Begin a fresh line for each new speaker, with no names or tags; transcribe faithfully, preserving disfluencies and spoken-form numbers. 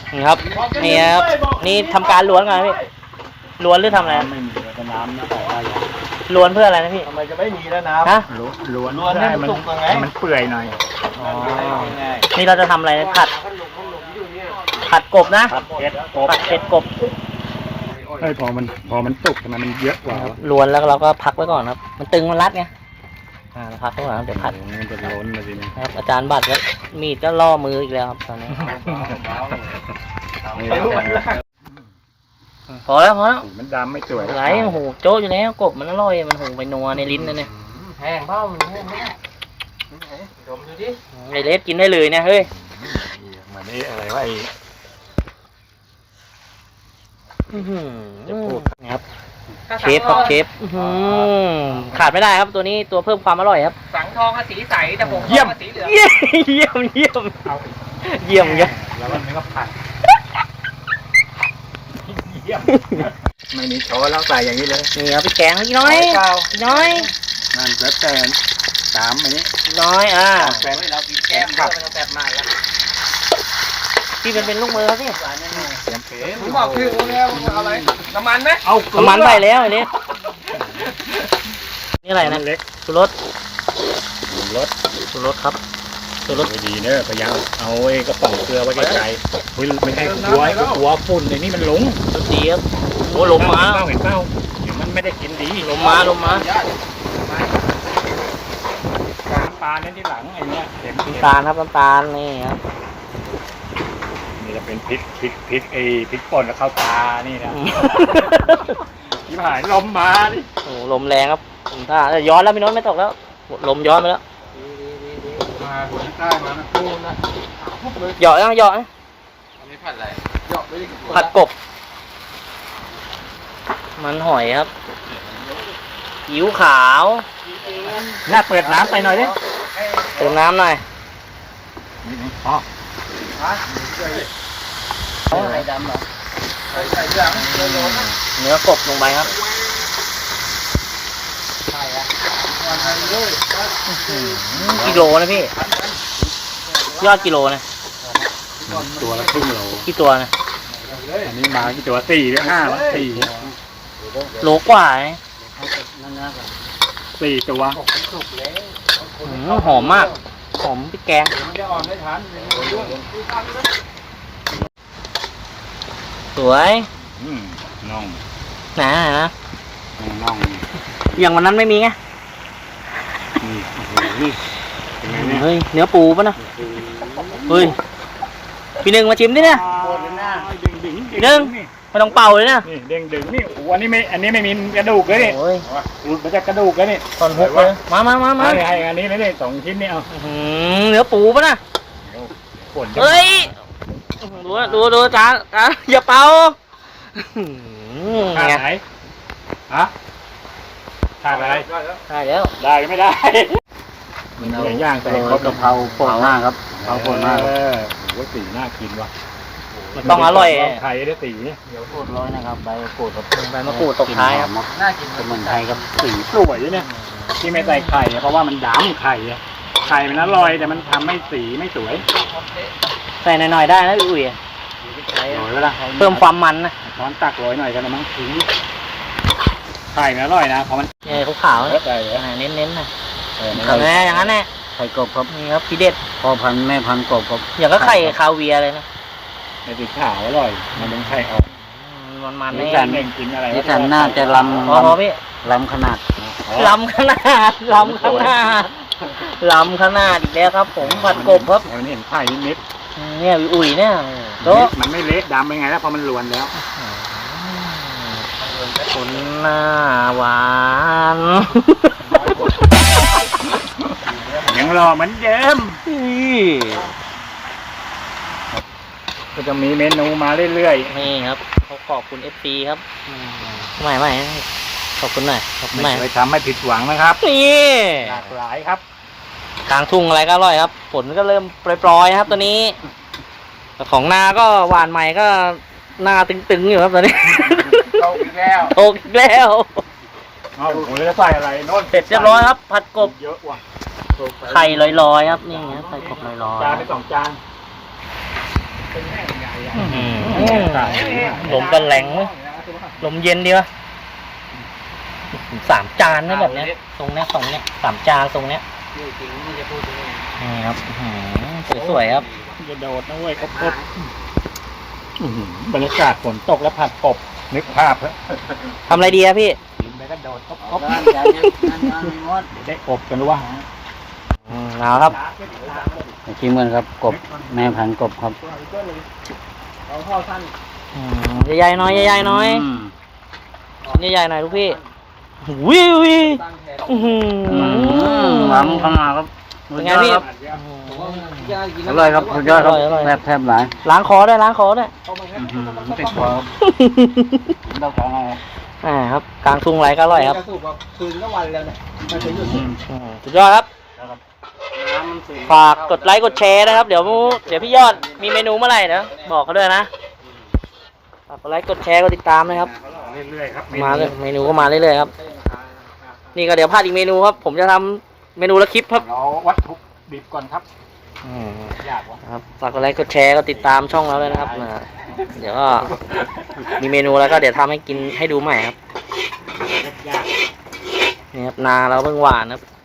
นี่ครับนี่ครับนี่ทำการล้วนก่อนพี่ล้วนหรือทำอะไร
ไม่มีแต่น้ำนะแต่ว่าอย่าง
ล้วนเพื่ออะไรนะพี่
ทำไมจะไม่มีแล้วน้ำ
ฮะ
ล้วน
ล้วนให้มันสุกยังไง
ให้มันเปื่อยหน่อย
อ๋อนี่เราจะทำอะไรผัดผัดกบนะ
ผัดเผ็ดกบ
ผัดเผ็ดกบ
เฮ้ยพอมันพอมันสุกทำไมมันเยอะกว่า
ล้วนแล้วเราก็พักไว้ก่อนครับมันตึงมันรัดไงอ่าเราพักไว้ก่อนครับเดี๋ยวผัด
มันจะล้นมาทีนี้
ครับอาจารย์บัตรก็มีดก็ล่อมืออีกแล้วครับตอนนี้พอแล้วพอแล้ว
มันดำไม่สวย
ไหลโอ้โหโจ๊ะอยู่แล้วกบมันอร่อยมันหูไปนัวในลิ้นนะเนี่ย
แห้งเปล่ามันแห้งไหมดมดูดิ
ไอเลสกินได้เลยเนี่ยเฮ้ย
มันนี่อะไรวะไอ้
อื้อหือนี่ครับเชฟครับเชฟอื้อหือขาดไม่ได้ครับตัวนี้ตัวเพิ่มความอร่อยครับ
สังทองสีใสแต่ผมเยี่ยมสีเหลือง
เยี่ยมเยี่ยมเยี่ยมเยี่ยมเยี่ยม
แล้วมันก็ผัดเยี่ยมไม่มีช้อนแล้วใส่อย่างนี้เลย
นี่ครับพี่แกงพี่น้อยพี่น้อย
นั่นแล้วแต่สามอันนี้
พี่น้อยอ่า
แป้งเรากินแก้มเยอะไม่ต้องแซ่บมากแล้ว
พี่เป็นเป็นลูกมือครับพี่
เสียมเผ็ด
ผมบอกชื่อผมแล้วอะไรน้ำมันไหม
เอา
น้ำมันไปแล้วไอ้เลสนี่อะไรนะ
เล็ก
ชูรส
รส
ชูรสครับชูรส
ดีเนอะพยายามเอาไอ้กระป๋องเกลือไว้ไกลๆไม่ใช่กลัวกลัวฝุ่นในนี่มันหลง
รสดีครับโอ้ลมมา
เห็นเปล่าเดี๋ยวมันไม่ได้กินดี
ลมมาลมมา
น้ำปลาเนี่ยที่หลังไอ้เนี้ยเห็น
น้ำตาลครับน้ำตาลนี่ครับ
นี่จะเป็นพริกพริกพริกไอ้พริกป่นกับข้าวตานี่นะที่หายลมมาดิ
โอ้ลมแรงครับถ้าย้อนแล้วพี่โน้ตไม่ตกแล้วลมย้อนไปแล้ว
มาหัวใต้มานะพูนะ
เหยาะยังเหยาะ
อันนี้ผัดอะไรหยอกไม่ได้
ผัดกบ มันหอยครับผิวขาว
น่าเปิดน้ำไปหน่อยดิ
เติมน้ำหน่อย
อ๋อ
ไข่ดำเหรอไข่ไข่ดำโดนนะ
เนื้อกบลงไปครับ
ไข่อะวันไข่เลย
กิโลนะพี่ยอดกิโลนะ
ตัวละครึ่งโล
กี่ตัวนะ
อันนี้มากี่ตัวสี่หรือห้าสี่
โลกว่านะ
สี่ตัว
อืมหอมมากหอมพริกแกง
มันจะอ่อนไม่ทัน
สวย
อืมน่อง
นะนะ
น่อง
อย่างวันนั้นไม่มีไง
นี่นี่เป็นไงเนี่ย
เฮ้ยเนื้อปูป่ะนะเฮ้ยพี่หนึ่งมาชิมดิเนี่ย
ดึงดึง
พี่หนึ่งไม่ต้องเป่าเลยนะ
นี่เด้งดึงนี่โอ้อันนี้ไม่อันนี้ไม่มีกระดูกเลยนี่
โอ้ย
มันจะกระดูกเลยนี่
ตอนฮุกเลยมามามามา
ให้ให้อันนี้เลยนี่สองชิ้นนี่เอา
อื้อหือเนื้อปูป่ะนะ
ปวด
เฮ้ยดูนะดูดูจ้าจ้าอย่าเป่าอื้อ
ขาด
ไง
ไหนฮะขาดอะไร
ได้แล้ว
ได้ไม่ได้มันเหลือย่างแต่เขากะเพราป่นมากครับกะเพราป่นมากเออโอ้สีน่ากินว่ะ
มันต้องอร่อย
ไข่ได้สี
เดี๋ยวโคตรร้อยนะครับใบโคตรกับ
ใบมะกรูดตกท้ายครับ
น่ากิน
สมุนไพรกับสีสวยเนี่ยที่ไม่ใส่ไข่เพราะว่ามันดำไข่อะไข่มันอร่อยแต่มันทำให้สีไม่สวย
ใส่หน่อยๆได้นะอุ้ย
โรยแล้วล่ะ
เพิ่มความมันนะ
ช้อนตักโรยหน่อยกันนะมั้งถึงไข่มันอร่อยนะเพราะมัน
เนี่ยขาวๆ
เย
นะ
อะไปเลย
อ่าเน้นๆนะ
เออ
แม่อย่างนั้นแน่
ไข่กบครับ
นี่ครับพี่เด็ด
พ่อพันธุ์แม่พันธุ์กบครับ
อย่างก็ไข่คาเวียร์เลยนะ
ไข่สีขาวอร่อยมันเป็นไข่ออก
มันมันๆ
นี่
นี่
ฉันเองกินอะไร
นี่ฉันน่าจะลำ
พอพอพี่
ลำขนาด
ลำขนาดลำขนาดลำขนาดอีกแล้วครับ ผมผัดกบครับ
วันนี้เห็นไข่นิด
เนี่ยอุ่ยๆเนี่ย
ๆ
โต๊ะ
มันไม่เละดำเป็นไงแล้วพอมันลวนแล้ว
คนหน้าหวาน
ยังรอเหมือนเดิม ก็จะมีเมนูมาเรื่อย
นี่ครับเขาขอบคุณเอฟซีครับไม่ไม่ขอบคุณหน่อยขอบ
ๆ
คุณห
ไม่
น่อย
เคยทำให้ผิดหวังนะครับ
นี่
หลากหลายครับ
กลางทุ่งอะไรก็อร่อยครับฝนก็เริ่มปล่อยๆครับตอนนี้แต่ของนาก็หวานใหม่ก็หน้าตึงๆอยู่ครับตอนนี้
โตอีกแล้ว
โตอีกแล้ว
เอาผมจะใส่อะไรโน่น
เสร็จเรียบร้อยครับ ผัดกบ
เยอะว่ะ
ไข่ลอยๆครับนี่ครับไข่กบลอย
จานไปสองจาน
ๆอื้อหือลมก็แรงเว้ยลมเย็นดีวะสามจานนะแบบเนี้ยตรงเนี้ยสองเนี้ยสามจานตรงเนี้ย
จริงไม่จะพูดถึงไง
นี่ครับอื้อหือสวยๆครับ
จะโดดนะเว้ยกบกบอื้อหือบรรยากาศฝนตกแล้วผัดกบนึกภาพเถอะ
ทำอะไรดีครับพี่
กินไปก็โดดกบกบ
บ้านจานยังงานงานงด
ได้อบกันหรือว่า
อืมเอาครับ
ชิมกันครับกบแม่พันธุ์กบครับเอาเข้าท่าน
อืมใหญ่ๆหน้อยใหญ่ๆหน้อยใหญ่ๆหน่อยลูกพี่วิววิอื้อหือ
หวังเข้ามาครับ
เป็นไงพี่
อร่อยครับสุดยอดครับแทบแทบหลาย
ล้างคอด้วยล้างคอด้วย
ติดคอครับเราของเรา
อ่าครับกลางทุ่งไรก็อร่อยครับ
คืนก็วันแล้วเนี่ยมาถึงอยู่
อืมสุดยอดครับ ฝากกดไลค์กดแชร์นะครับ เดี๋ยวเดี๋ยวพี่ยอดมีเมนูเมื่อไหร่เดี๋ยวบอกเขาด้วยนะฝากกดไลค์กดแชร์กดติดตามนะครับ
เรื่อยๆครับ
มาเลยเมนูก็มาเรื่อยๆครับ นี่ก็เดี๋ยวพลาดอีกเมนูครับ ผมจะทำเมนูละคลิปครับ
เราวัตถุดิบก่อนครับ
อืม
ยากวะ
ครับฝากกดไลค์กดแชร์กดติดตามช่องเราด้วยนะครับอ่าเดี๋ยวก็มีเมนูแล้วก็เดี๋ยวทำให้กินให้ดูใหม่ครับ
ยาก
นี่ครับนาเราเพิ่งหวานครับ